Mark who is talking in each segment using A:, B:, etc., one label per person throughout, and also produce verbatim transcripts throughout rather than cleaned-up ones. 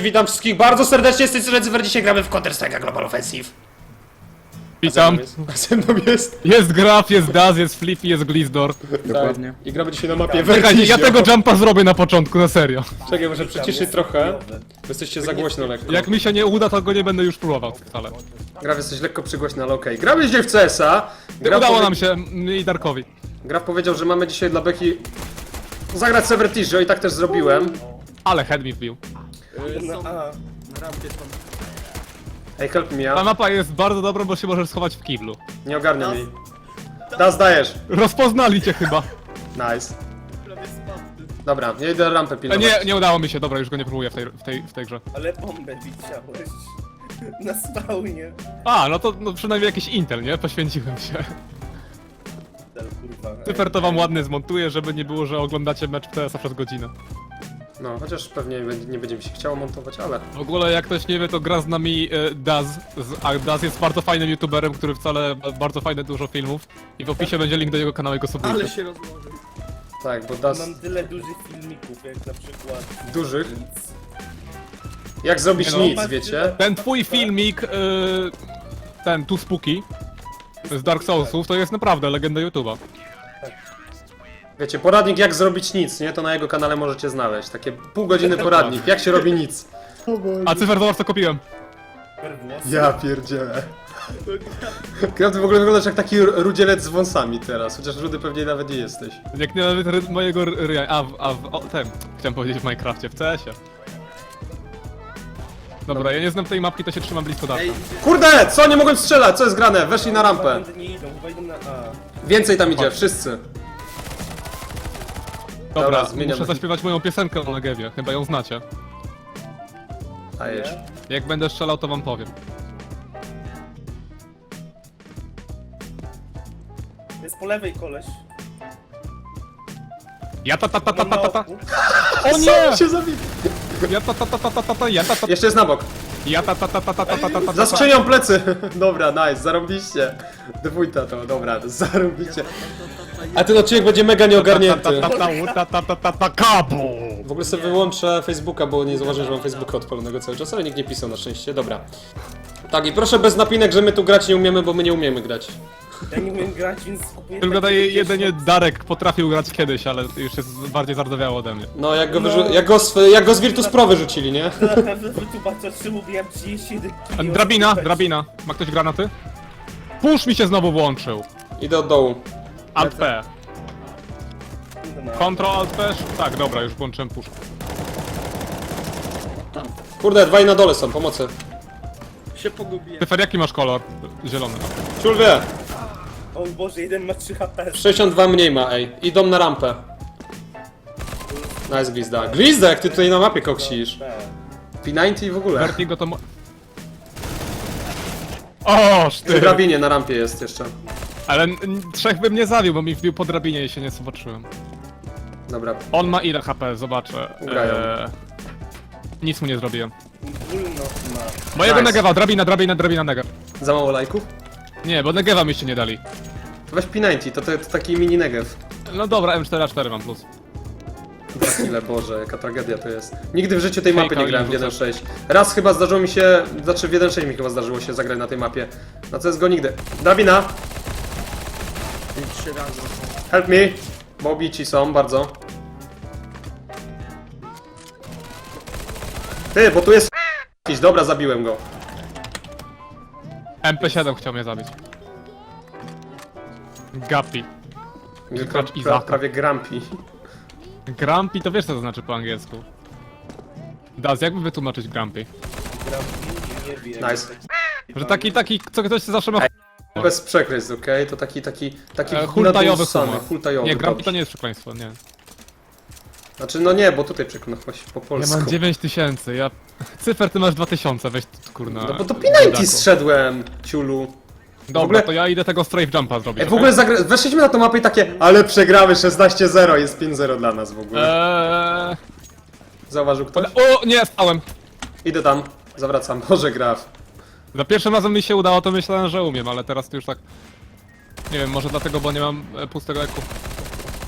A: witam wszystkich bardzo serdecznie, z tej strony Cyfer, dzisiaj gramy w Counter-Strike Global Offensive.
B: Witam.
A: A ze mną jest...
B: Jest Graf, jest Daz, jest Flippy, jest Glizdor.
C: Dokładnie.
A: Tak. I gramy dzisiaj na mapie
B: Czekaj,
A: Vertigo.
B: ja tego jumpa zrobię na początku, na serio.
A: Czekaj, może przyciszyć trochę. Bo jesteście za głośno lekko.
B: Jak mi się nie uda, to go nie będę już próbował wcale.
A: Graf, jesteś lekko przygłośny, ale okej. Gramy dzisiaj w C S a. Graf
B: Udało
A: powie-
B: nam się, mnie i Darkowi.
A: Graf powiedział, że mamy dzisiaj dla Beki zagrać sobie Vertigo i tak też zrobiłem.
B: Ale head mi wbił.
C: Na A.
A: Ej, help me,
B: Ta
A: ja.
B: mapa jest bardzo dobra, bo się możesz schować w kiblu.
A: Nie ogarniam jej. Das dajesz.
B: Rozpoznali cię chyba.
A: Nice. Dobra, ja idę rampę
B: E,
A: pilnować.
B: nie, nie udało mi się, dobra, już go nie próbuję w tej, w tej, w tej grze.
C: Ale bombę widziałeś. Na spawnie.
B: A, no to no przynajmniej jakiś Intel, nie? Poświęciłem się.
C: Dal, kurwa.
B: Cyfer to wam ładnie zmontuję, żeby nie było, że oglądacie mecz w T S a przez godzinę.
A: No, chociaż pewnie nie będzie- nie będzie mi się chciało montować, ale...
B: W ogóle jak ktoś nie wie, to gra z nami e, Daz, z, a Daz jest bardzo fajnym youtuberem, który wcale ma bardzo fajne dużo filmów i w opisie będzie link do jego kanału, jego subskrypcji.
D: Ale się rozłożył.
A: Tak, bo Das...
C: Mam tyle dużych filmików, jak na przykład...
A: Dużych?
C: Nic.
A: Jak zrobić
B: Nie no.
A: nic, wiecie?
B: Ten twój filmik, e, ten Tu Spooky z Dark Soulsów, to jest naprawdę legenda YouTube'a.
A: Wiecie, poradnik jak zrobić nic, nie? To na jego kanale możecie znaleźć. Takie pół godziny poradnik, jak się robi nic.
B: A Cyfer, zobacz co kupiłem.
C: Perwłos.
A: Ja pierdzielę. Ty w ogóle wyglądasz jak taki rudzielec z wąsami teraz, chociaż rudy pewnie nawet nie jesteś.
B: Jak nie nawet ry, mojego ryja, a w, a w o, tym, chciałem powiedzieć w Minecrafcie, w C S ie. Dobra, ja nie znam tej mapki, to się trzymam blisko Darka.
D: Ej,
A: Kurde! Co? Nie mogłem strzelać! Co jest grane? Weszli na rampę.
C: Chyba nie idą, chyba idą na A.
A: Więcej tam idzie, wszyscy.
B: Dobra,
A: dobra, zmieniam.
B: muszę zaśpiewać moją piosenkę o Negewie, chyba ją znacie.
A: Dajesz.
B: Jak będę strzelał, to wam powiem.
C: Jest po lewej koleś.
B: Ja ta ta ta ta
C: Mam na
B: ta ta.
C: oku.
B: O nie!
A: się zabili.
B: Ja ta ta ta ta ta ta ta, ja ta ta
A: Jeszcze jest na bok.
B: ja ta ta ta ta ta ta ta ta ta.
A: Za skrzynią plecy. Dobra, nice, zarobiście. Dwójta to, dobra, zarobiście. A ten odcinek będzie mega nieogarnięty.
B: Ta ta ta ta ta ta ta kabu.
A: W ogóle sobie wyłączę Facebooka, bo nie zauważyłem, że mam Facebooka odpalonego cały czas, ale nikt nie pisał na szczęście, dobra. Tak, i proszę bez napinek, że my tu grać nie umiemy, bo my nie umiemy grać.
C: Ja nie umiem grać, więc kupuję...
B: Tylko
C: takie
B: daje
C: wiesz,
B: jedynie
C: no,
B: Darek potrafił grać kiedyś, ale już jest bardziej zardowiało ode mnie.
A: No, jak go,
C: No.
A: wyrzu- jak go, z, jak go z Virtus Pro wyrzucili, nie?
C: Naprawdę wytłumaczę, czy mówiłem trzydzieści jeden
B: A,
C: kilo.
B: drabina, drabina. Ma ktoś granaty? Push mi się znowu włączył.
A: Idę od dołu.
B: Alt P.
C: No.
B: Control Alt P. Tak, dobra, już włączyłem push.
A: Kurde, dwaj na dole są, pomocy.
D: się pogubiłem.
B: Cyfer, jaki masz kolor? Zielony.
A: Ciul wie,
C: O Boże, jeden ma trzy H P.
A: sześćdziesiąt dwa mniej ma, ej. Idą na rampę. Nice, Glizda. Glizda, jak ty tutaj na mapie koksisz.
C: Tak.
A: P dziewięćdziesiąt w ogóle.
B: Vertigo to mo... O,
A: W
B: szty!
A: drabinie na rampie jest jeszcze.
B: Ale n- n- trzech bym nie zabił, bo mi wbił po drabinie i się nie zobaczyłem.
A: Dobra,
B: On ma ile H P? Zobaczę.
A: Ugrają.
B: Eee, nic mu nie zrobiłem.
C: Wolno ma.
B: Mojego
A: Nice.
B: Negewa, drabina, drabina, drabina, Negev.
A: za mało lajków?
B: Nie, bo Negewa mi się nie dali.
A: Weź P dziewięćdziesiąt, to, to, to taki mini negev.
B: No dobra, M cztery A cztery mam plus.
A: Ile, Boże, jaka tragedia to jest. Nigdy w życiu tej mapy
B: Fejka
A: nie grałem w
B: nie
A: jeden sześć. Raz chyba zdarzyło mi się, znaczy w jeden sześć mi chyba zdarzyło się zagrać na tej mapie. Na C S G O nigdy. Drabina,
D: Trzy razy.
A: help me. Bo obici są, bardzo. Ty, bo tu jest jakiś, dobra, zabiłem go.
B: M P siedem chciał mnie zabić. Gapi.
A: Pra,
B: Gracz
A: pra,
B: Izaka.
A: prawie grampi.
B: Grumpy to wiesz co to znaczy po angielsku. Daz, jakby wytłumaczyć Grumpy?
C: Gram nie wiem.
A: Nice.
B: Że taki, taki, co ktoś zawsze ma...
A: Bez przekleństw, okej? To taki, taki, taki
B: E, hultajowy
A: nadąsany,
B: humor.
A: hultajowy.
B: Nie, Grumpy
A: dobrze.
B: to nie jest przekleństwo, nie.
A: Znaczy, no nie, bo tutaj przekonałeś po
B: Ja
A: polsku.
B: mam dziewięć tysięcy, ja... Cyfer, ty masz dwa tysiące, weź tu, kurna...
A: No bo to P dziewięćdziesiąt
B: biedaku.
A: zszedłem, ciulu.
B: Dobra,
A: ogóle-
B: to ja idę tego strafe jumpa zrobić.
A: Ej, w ogóle zagra... weszliśmy na tą mapę i takie, ale przegramy szesnaście zero, jest pięć zero dla nas w ogóle.
B: Eee...
A: Zauważył ktoś?
B: O, nie, stałem!
A: Idę tam, zawracam, Boże Graf.
B: Za pierwszym razem mi się udało, to myślałem, że umiem, ale teraz to już tak... Nie wiem, może dlatego, bo nie mam e, pustego eku.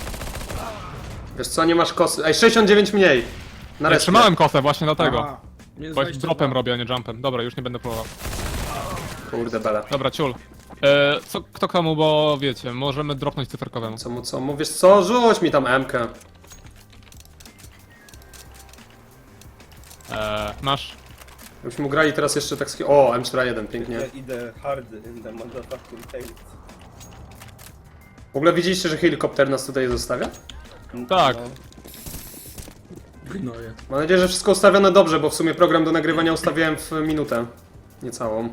A: Wiesz co, nie masz kosy. Ej, sześćdziesiąt dziewięć mniej. Na
B: Ja
A: respie.
B: trzymałem kosę właśnie dlatego.
D: Aha. Minus
B: Bo
D: dwadzieścia
B: dropem
D: dwa.
B: robię, a nie jumpem. Dobra, już nie będę próbował.
A: Kurde bele.
B: Dobra, ciul. E, co, kto komu, bo wiecie, możemy dropnąć cyferkowemu.
A: Co mu, co mu, wiesz co, rzuć mi tam M-kę.
B: E, masz.
A: Byśmy grali teraz jeszcze tak... ski- O, M cztery jeden, pięknie.
C: Ja idę hard in the motherfucking tail.
A: W ogóle widzieliście, że helikopter nas tutaj zostawia?
B: Tak.
C: No.
D: Gnoje.
A: Mam nadzieję, że wszystko ustawione dobrze, bo w sumie program do nagrywania ustawiałem w minutę. Niecałą.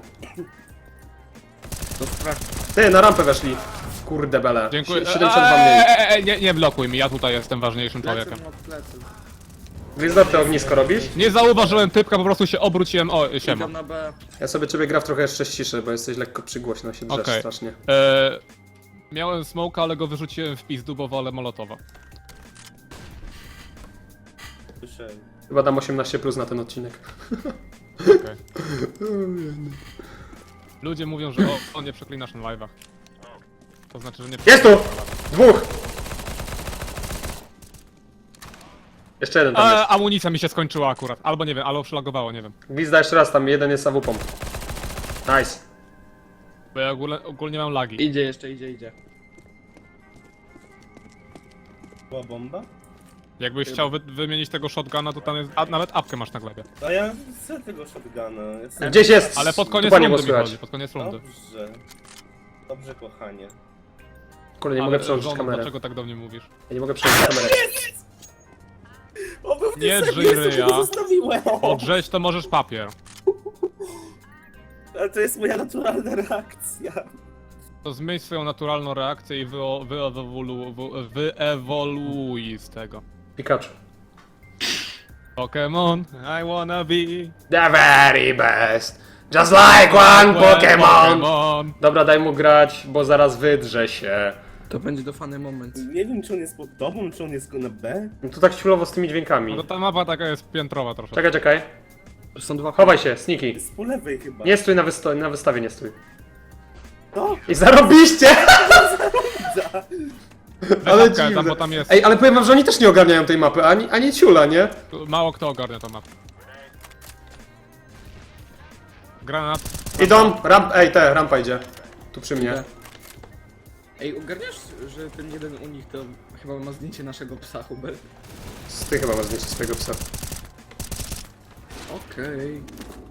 D: To sprawdź.
A: Ty, na rampę weszli. Kurde bele.
B: Dziękuję.
A: Sie- siedemdziesiąt dwa mniej.
B: Eee, e, e, nie, nie blokuj mi, ja tutaj jestem ważniejszym człowiekiem.
D: Plecy od plecy.
A: Gwizdor, ty ognisko robisz?
B: Nie zauważyłem typka, po prostu się obróciłem. O, siema.
D: Idę na B.
A: Ja sobie ciebie gra w trochę jeszcze ściszę, bo jesteś lekko przygłośno, się drzesz
B: Okej.
A: strasznie.
B: E, miałem smoka, ale go wyrzuciłem w pizdu, bo wolę molotowa.
C: Słyszałem.
A: Chyba dam osiemnaście plus na ten odcinek.
B: Okay. Ludzie mówią, że o, o nie przeklinasz na live'ach. To znaczy, że nie
A: Jest tu! Dwóch! Jeszcze jeden tam
B: A,
A: jest.
B: amunicja mi się skończyła akurat. Albo nie wiem, albo przylagowało, nie wiem.
A: Gwizda jeszcze raz, tam jeden jest A W P. Nice.
B: Bo ja ogólnie, ogólnie mam lagi.
D: Idzie jeszcze, idzie, idzie.
C: Była bomba?
B: Jakbyś chciał wy, wymienić tego shotguna, to tam jest. A nawet apkę masz na glebie.
C: A ja chcę tego shotguna. Jestem...
A: Gdzieś jest!
B: Ale pod koniec
A: Dupa nie było
B: rundy mi
A: słychać.
B: chodzi, pod koniec rundy.
C: Dobrze. Dobrze, kochanie.
A: Kurde, nie
B: Ale
A: mogę przełączyć
B: żono,
A: kamerę.
B: dlaczego tak do mnie mówisz?
A: Ja nie mogę przełączyć kamerę.
C: O, bo w
B: Nie
C: tym
B: drzyj
C: sobie
B: ryja.
C: to zostawiłem!
B: Odrzeź to możesz papier.
C: Ale to jest moja naturalna reakcja.
B: To zmień swoją naturalną reakcję i wyewolu- wyewolu- wy- wyewoluuj z tego.
A: Pikachu.
B: Pokémon, I wanna be
A: The very best. Just like one Pokémon.
B: Pokémon.
A: Dobra, daj mu grać, bo zaraz wydrze się.
D: To będzie dofany moment.
C: Nie wiem, czy on jest pod tobą, czy on jest na B.
A: No to tak chwilowo z tymi dźwiękami.
B: No to ta mapa taka jest piętrowa troszkę.
A: Czekaj, czekaj.
D: To są dwa.
A: Chowaj się, sneaky.
C: Jest po lewej chyba.
A: Nie stój na, wysto- na wystawie, nie stój.
C: No,
A: I zarobiście! Ale
B: Ale tam,
A: dziwne.
B: bo tam jest.
A: Ej, ale powiem wam, że oni też nie ogarniają tej mapy, ani, ani ciula, nie?
B: Mało kto ogarnia tą mapę. Granat.
A: Idą, ramp, ej, te, rampa idzie. Tu przy mnie.
D: Ej, ogarniasz, że ten jeden u nich to chyba ma zdjęcie naszego psa, Hubert?
A: Ty chyba masz zdjęcie swojego psa.
D: Okej.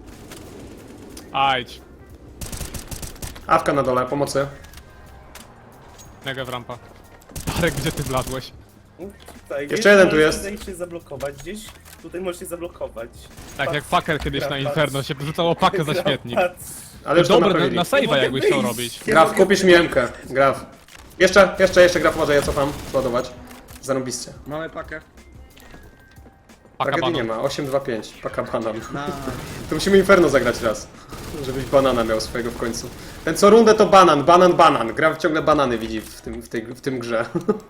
B: Ajdź.
A: Awka na dole, pomocy.
B: Mega w rampa. Arek, gdzie ty wlazłeś?
C: tutaj.
A: Jeszcze jeden tu
C: możesz
A: jest.
C: Tutaj się zablokować gdzieś. Tutaj możesz się zablokować.
B: Tak jak Packer kiedyś na
C: Graf,
B: Inferno się rzucało pakę za śmietnik.
C: Patrz.
A: Ale już to
B: Dobry, na,
A: naprawili.
B: na save'a
C: mogę
B: jakbyś chciał
C: wyjść.
B: robić.
A: Graf, kupisz mi M-kę. Graf. Jeszcze, jeszcze, jeszcze Graf, może ja cofam. Ładować. Zarobiście.
D: Mamy pakę.
B: Paka
A: Tragedii nie
B: banan.
A: ma. osiem dwa pięć. Paka banan.
D: Na...
A: To musimy Inferno zagrać raz. Żebyś banana miał swojego w końcu. Ten co rundę to banan, banan, banan. Graf ciągle banany widzi w tym, w tej, w tym grze.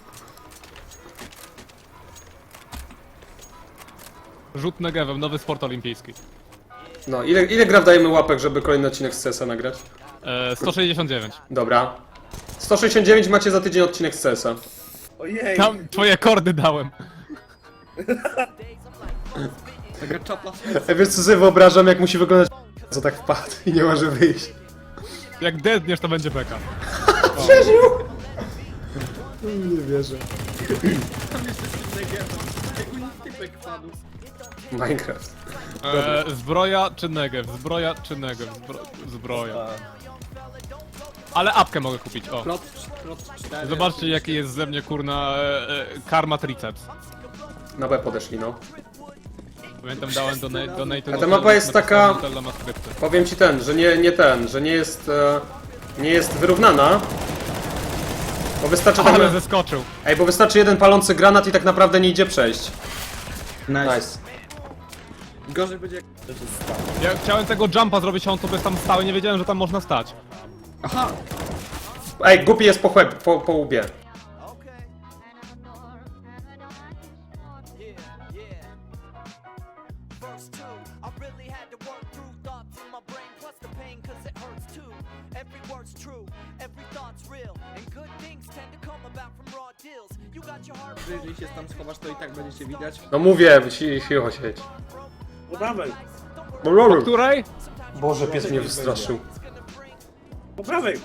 B: Rzut negewem, nowy sport olimpijski.
A: No, ile, ile Graf dajemy łapek, żeby kolejny odcinek z C S a nagrać?
B: E, sto sześćdziesiąt dziewięć.
A: Dobra. sto sześćdziesiąt dziewięć macie za tydzień odcinek z C S a.
C: Ojej.
B: Tam twoje kordy dałem.
D: Taka czapla.
A: Ja wiesz co sobie wyobrażam, jak musi wyglądać co tak wpadł i nie może wyjść.
B: Jak dedniesz, to będzie beka.
A: Przeżył! Nie wierzę.
D: Tam jest jeszcze negeta. Jak u nich typek padł.
A: Minecraft.
B: E, zbroja czy negew? Zbroja czy negew? Zbro, zbroja.
C: A,
B: Ale apkę mogę kupić, o.
D: Plot, plot cztery.
B: Zobaczcie jaki jest ze mnie kurna e, e, karma triceps.
A: Na B podeszli, no.
B: Pamiętam dałem do, na, do Nathan.
A: A ta mapa jest taka-
B: Nutella ma skrypty.
A: Powiem ci ten, że nie, nie ten, że nie jest... E, nie jest wyrównana. Bo wystarczy tak...
B: Ale zeskoczył.
A: Ej, bo wystarczy jeden palący granat i tak naprawdę nie idzie przejść.
D: Nice.
A: Nice.
D: Gorzej będzie jak...
C: to się stało.
B: Ja chciałem tego jumpa zrobić, a on sobie tam stał i nie wiedziałem, że tam można stać.
D: Aha!
A: Ej, głupi jest po chłeb, po, po łbie.
E: Verse two, I really had to work through thoughts in my brain, plus the pain, cause it hurts too. Every word's true, every thought's real, and good things tend to come about from raw deals. You got your heart.
D: Jeżeli się tam schowasz, to i tak będziecie widać.
A: No mówię, ci- cicho siedź.
C: No dawaj.
E: Don't
B: Po której?
A: Boże, pies mnie wystraszył.
C: Po prawej!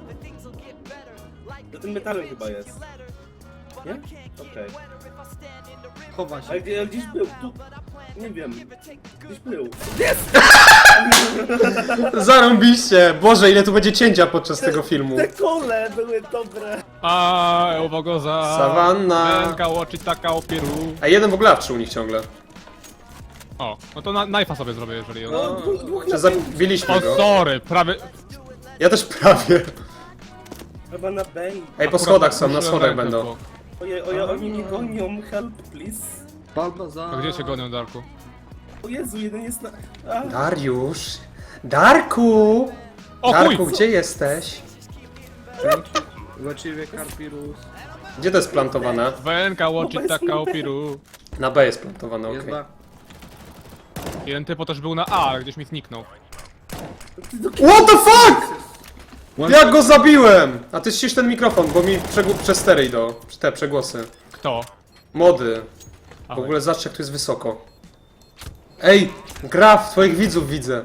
C: Za tym metalem chyba jest. Nie? Okej.
D: Chowa się.
C: Ale gdzie- gdzieś był, tu... Nie wiem. Gdzieś był. Jest!
A: Zarąbiście! Boże, ile tu będzie cięcia podczas tego filmu.
C: Te kole były dobre.
B: A, uwaga za...
A: Sawanna.
B: Ręka łoczy taka opieru.
A: A jeden w ogóle awczy u nich ciągle.
B: O, no to na, knife'a sobie zrobię, jeżeli on...
C: No, dwóch, dwóch
A: Czy
C: na
A: zabiliśmy
B: O,
A: go?
B: sorry, prawie...
A: Ja też prawie.
C: Chyba na B.
A: Ej, po schodach są, na schodach będą.
C: Ojej, ojej, oni mnie gonią. Help, please.
D: Balbazar.
B: A gdzie cię gonią, Darku?
C: O Jezu, jeden jest na... A,
A: Dariusz! Darku!
B: O
A: Darku,
B: chuj!
A: gdzie jesteś?
D: Właściwie Karpirus.
A: Gdzie to jest plantowane?
B: Ręka łoczy taka opieru.
A: Na B jest plantowane,
D: Jest
A: okej.
D: ba.
B: Jeden typo też był na A, ale gdzieś mi zniknął.
A: What the fuck?! Jak go zabiłem! A ty ścisz ten mikrofon, bo mi przegł- przez stery idą. Te przegłosy.
B: Kto?
A: Mody. W
B: Ahoj.
A: ogóle zobacz, jak tu jest wysoko. Ej! Graf, twoich widzów widzę.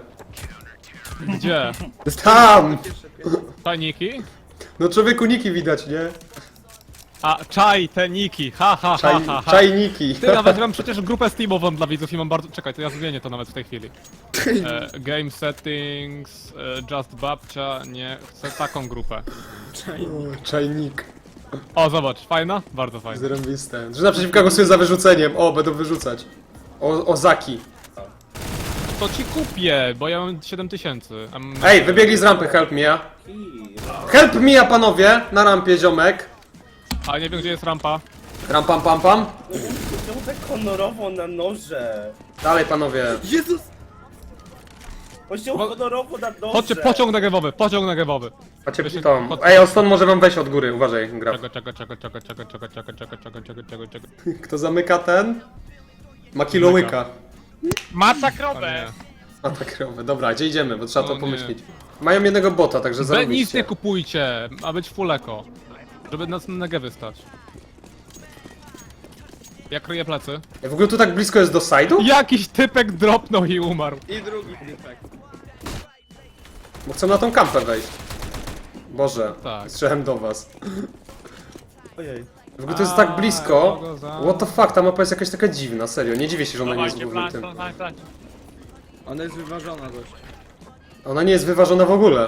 B: Gdzie?
A: Tam!
B: Tajniki?
A: No człowieku niki widać, nie?
B: A, czaj, te niki, ha ha ha
A: Czaj,
B: ha ha.
A: czajniki.
B: Ty, nawet mam przecież grupę Steamową dla widzów i mam bardzo... Czekaj, to ja zmienię to nawet w tej chwili. E, game settings, e, just babcia, nie, chcę taką grupę.
A: Czajnik.
B: O, zobacz, fajna? Bardzo fajna.
A: Zrąbiste. Że naprzeciwka głosuję za wyrzuceniem. O, będą wyrzucać. O, Ozaki.
B: To ci kupię, bo ja mam siedem tysięcy. a mam-
A: Ej, wybiegli z rampy, help me.
C: i...
A: Help me, panowie! Na rampie, ziomek.
B: A nie wiem, gdzie jest rampa.
A: Ram pam pam pam.
C: Czemu tak honorowo na noże?
A: Dalej, panowie.
D: Jezus!
C: On się
B: Bo-
C: honorowo na noże.
B: Chodźcie, pociąg negewowy, pociąg negewowy.
A: Macie
B: Wysię-
A: to.
B: pod-
A: Ej, Oston może wam wejść od góry, uważaj, graf.
B: Czego, czego, czego, czego, czego, czego, czego, czego, czego, czego, czego, czego.
A: Kto zamyka ten? Ma kilołyka.
F: Mata
B: A
F: krowę!
B: nie.
A: A tak robię. Dobra, gdzie idziemy, bo trzeba
B: O
A: to
B: nie.
A: pomyśleć. Mają jednego bota, także
B: Be, nic nie
A: zarobiście.
B: kupujcie, ma być full eko. Żeby nas na negewy stać. Ja kryję plecy.
A: Ej, w ogóle tu tak blisko jest do side'u?
B: Jakiś typek dropnął i umarł.
D: I drugi typek.
A: Bo chcą na tą kampę wejść. Boże,
B: Tak.
A: strzelałem do was.
C: Ojej.
A: W ogóle to jest
B: A,
A: tak blisko.
B: kogo za-
A: What the fuck, ta mapa jest jakaś taka dziwna, serio. Nie dziwię się, że ona nie jest
F: Dawajcie,
A: głównym
F: plan,
A: tym.
F: plan, plan.
D: Ona jest wyważona dość.
A: Ona nie jest wyważona w ogóle.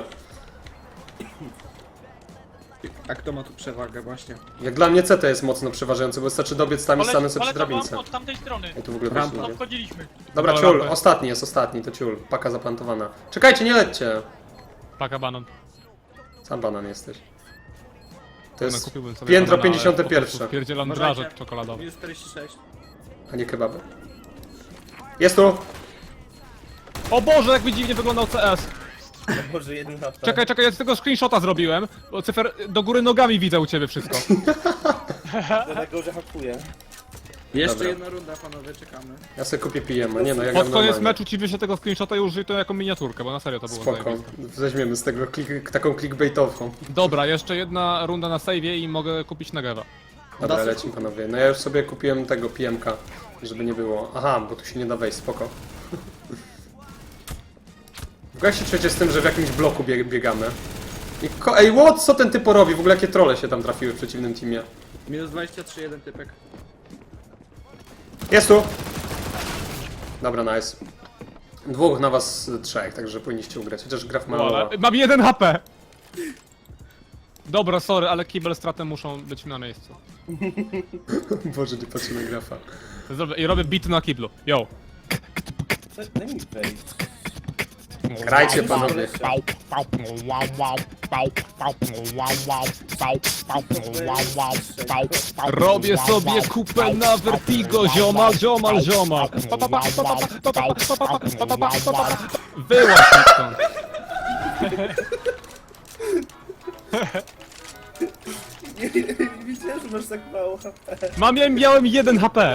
D: A kto ma tu przewagę właśnie?
A: Jak dla mnie C T jest mocno przeważający, bo wystarczy dobiec tam i stanę sobie przy
F: Polecam wam
A: drabince.
F: od tamtej strony.
A: Ej, tu w ogóle
D: Rampa.
A: wejść nie
F: Tam
A: idzie.
F: wchodziliśmy.
A: Dobra,
B: Do
A: ciul,
B: rampy.
A: ostatni jest ostatni, to ciul. Paka zaplantowana. Czekajcie, nie lećcie.
B: Paka banan.
A: Sam banan jesteś. To
B: No,
A: jest
B: kupiłbym sobie
A: piętro
B: banana, ale
A: pięćdziesiąte
B: po prostu
A: pierwsze,
B: Wpierdzielam
D: Uważajcie.
B: drażek czekoladowy.
D: Minus czterdzieści sześć.
A: a nie kebaby. Jest tu!
B: O Boże, jak mi dziwnie wyglądał C S.
C: O Boże, jeden H P.
B: Czekaj, czekaj, ja z tego screenshota zrobiłem, bo cyfer do góry nogami widzę u ciebie wszystko.
C: Dlatego, że hakuje.
D: Jeszcze
A: Dobra.
D: jedna runda, panowie, czekamy.
A: Ja sobie kupię P M, a nie no, jak
B: Pod
A: gram
B: koniec
A: normalnie.
B: meczu ci wyślę tego screenshota i użyj to jako miniaturkę, bo na serio to było
A: Spoko,
B: zajebiste.
A: weźmiemy z tego klik, taką clickbaitową.
B: Dobra, jeszcze jedna runda na save'ie i mogę kupić Negewa.
A: Dobra,
D: Da
A: lecimy panowie. No ja już sobie kupiłem tego P M K, żeby nie było. Aha, bo tu się nie da wejść, spoko. W ogóle jak się czujecie z tym, że w jakimś bloku bieg biegamy? I ko Ej, what? Co ten typ robi? W ogóle jakie trolle się tam trafiły w przeciwnym teamie?
D: Minus dwadzieścia trzy, jeden typek.
A: Jest tu! Dobra, nice. Dwóch na was y, trzech, także powinniście ugrać, chociaż gra w
B: No,
A: malowa.
B: ale mam jeden H P! Dobra, sorry, ale kibel straty muszą być na miejscu.
A: Boże, nie patrzę na grafa.
B: Zrobię, I robię bit na kiblu. Yo.
C: Daj mi wejść.
A: Grajcie panowie.
B: Robię sobie kupę na Vertigo, ziomal, ziomal, ziomal. Pa, pa, pa, pa, pa, pa, pa, pa, pa, pa, pa, pa, pa, pa, pa. Wyłaź mi stąd.
C: Nie, nie widziałem, że masz tak mało H P.
B: Mam, ja miałem jeden H P.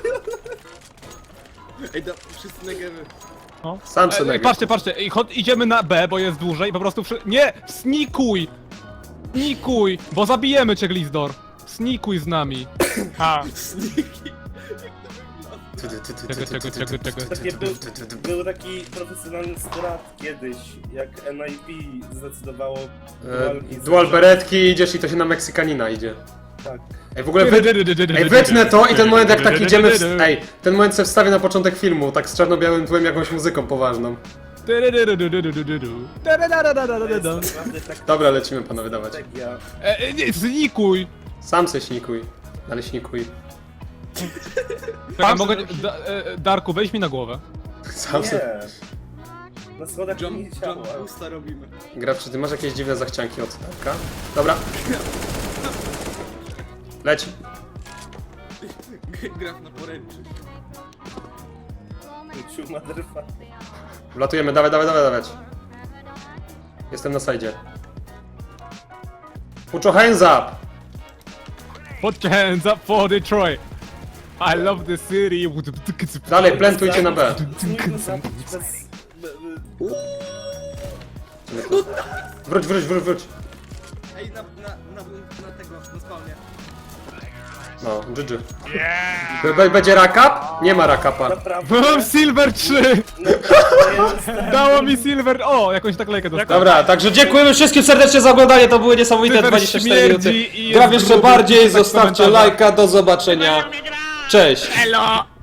D: Ej, da, wszyscy negewy.
A: Sam
B: E,
A: sobie
B: e, patrzcie, patrzcie, i chod, idziemy na B, bo jest dłużej i po prostu przy... Nie! Snikuj! Snikuj! Bo zabijemy cię, Glizdor. Snikuj z nami.
F: Ha.
D: Sniki.
B: Czego, czego, czego, czego?
C: Takie był, był taki profesjonalny strat kiedyś, jak N I P zdecydowało
A: E,
C: walki z-
A: dual beretki idziesz i to się na Meksykanina idzie.
C: Tak.
A: Ej, w ogóle wy... Ej, wytnę to i ten moment jak tak idziemy w... Ej, ten moment sobie wstawię na początek filmu, tak z czarno-białym tłem jakąś muzyką poważną.
C: To jest naprawdę tak
A: Dobra, lecimy panowie, dawać.
C: strategia.
B: E, e, nie, znikuj!
A: Sam se śnikuj. Ale śnikuj.
B: Czekaj, mogę... Da, e, Darku, weź mi na głowę.
A: Sam se...
C: Nie. Na schodach
D: Jump,
C: nie
D: jump
C: działa.
D: boosta robimy.
A: Gracz, czy ty masz jakieś dziwne zachcianki od Darka? Dobra. Leć.
D: Graf na poręczy.
C: Ciu, motherfucker.
A: Wlatujemy, dawaj, dawaj, dawaj, dawać. Jestem na sajdzie. Put your hands up!
B: Put your hands up for Detroit! I love the city!
A: Dalej, plantujcie na B.
C: Spróbujmy zabić bez... be- be-
A: Wróć, wróć, wróć, wróć.
D: Ej, na, na, na, na tego, na spawnie.
A: No, G G. B- Będzie rakap? Nie ma rakapa.
C: Naprawdę.
B: Mam Silver trzy!
C: Naprawdę
B: Dało mi Silver... O, jakąś naklejkę dostałem.
A: Dobra, także dziękujemy wszystkim serdecznie za oglądanie, to były niesamowite
B: Cyfer
A: dwadzieścia cztery minuty.
B: śmierdzi i
A: Gra
B: jest
A: jeszcze
B: gruby,
A: bardziej,
B: tak
A: zostawcie
B: komentarze.
A: lajka, do zobaczenia. Cześć!
B: Elo!